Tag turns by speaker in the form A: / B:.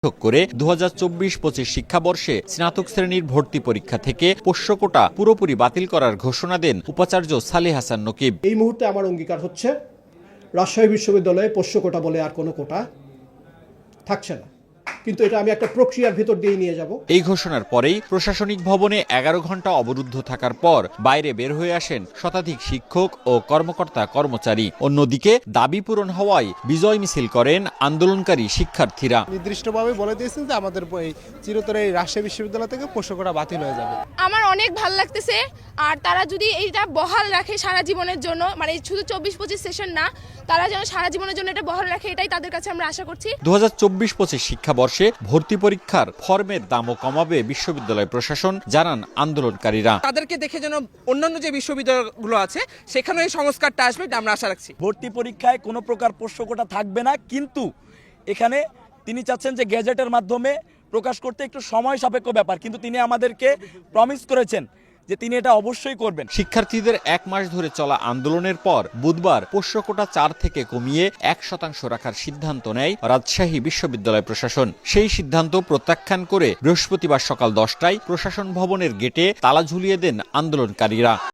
A: করে 2024-25 শিক্ষাবর্ষে স্নাতক শ্রেণীর ভর্তি পরীক্ষা থেকে পোষ্য কোটা পুরোপুরি বাতিল করার ঘোষণা দেন উপাচার্য সালেহ হাসান নকিব।
B: এই মুহূর্তে আমার অঙ্গীকার হচ্ছে রাজশাহী বিশ্ববিদ্যালয়ে পোষ্য কোটা বলে আর কোনো কোটা থাকছে না, কিন্তু এটা আমি একটা প্রক্রিয়ার ভিতর দিয়ে নিয়ে যাব।
A: এই ঘোষণার পরেই প্রশাসনিক ভবনে 11 ঘন্টা অবরুদ্ধ থাকার পর বাইরে বের হয়ে আসেন শতাধিক শিক্ষক ও কর্মকর্তা কর্মচারী। অন্যদিকে দাবি পূরণ হওয়ায় বিজয় মিছিল করেন আন্দোলনকারী শিক্ষার্থীরা।
C: নির্দিষ্টভাবে বলে দিয়েছেন যে আমাদের এই চিরতরে এই রাজশাহী বিশ্ববিদ্যালয় থেকে পোষ্য কোটা বাতিল হয়ে যাবে।
D: আমার অনেক ভালো লাগতেছে, আর তারা যদি এইটা বহাল রাখে সারা জীবনের জন্য, মানে শুধু 24-25 সেশন না, তারা যেন সারা জীবনের জন্য এটা বহাল রাখে, এটাই তাদের কাছে আমরা আশা করছি।
A: 2024-25 শিক্ষাবর্ষে ভর্তি পরীক্ষার ফর্মের দামও কমাবে বিশ্ববিদ্যালয় প্রশাসন, জানান আন্দোলনকারীরা।
E: তাদেরকে দেখে যেন অন্যান্য যে বিশ্ববিদ্যালয়গুলো আছে সেখানে এই সংস্কারটা আসবে, এটা আমরা আশা রাখছি।
F: ভর্তি পরীক্ষায় কোনো প্রকার পোষ্য কোটা থাকবে না, কিন্তু এখানে তিনি চাচ্ছেন যে গ্যাজেটের মাধ্যমে প্রকাশ করতে একটু সময় সাপেক্ষ ব্যাপার, কিন্তু তিনি আমাদেরকে প্রমিস করেছেন যে তিনি এটা অবশ্যই করবেন।
A: শিক্ষার্থীদের 1 মাস ধরে চলা আন্দোলনের পর বুধবার পোষ্য কোটা 4 থেকে কমিয়ে 1% রাখার সিদ্ধান্ত নেয় রাজশাহী বিশ্ববিদ্যালয় প্রশাসন। সেই সিদ্ধান্ত প্রত্যাখ্যান করে বৃহস্পতিবার সকাল 10টায় প্রশাসন ভবনের গেটে তালা ঝুলিয়ে দেন আন্দোলনকারীরা।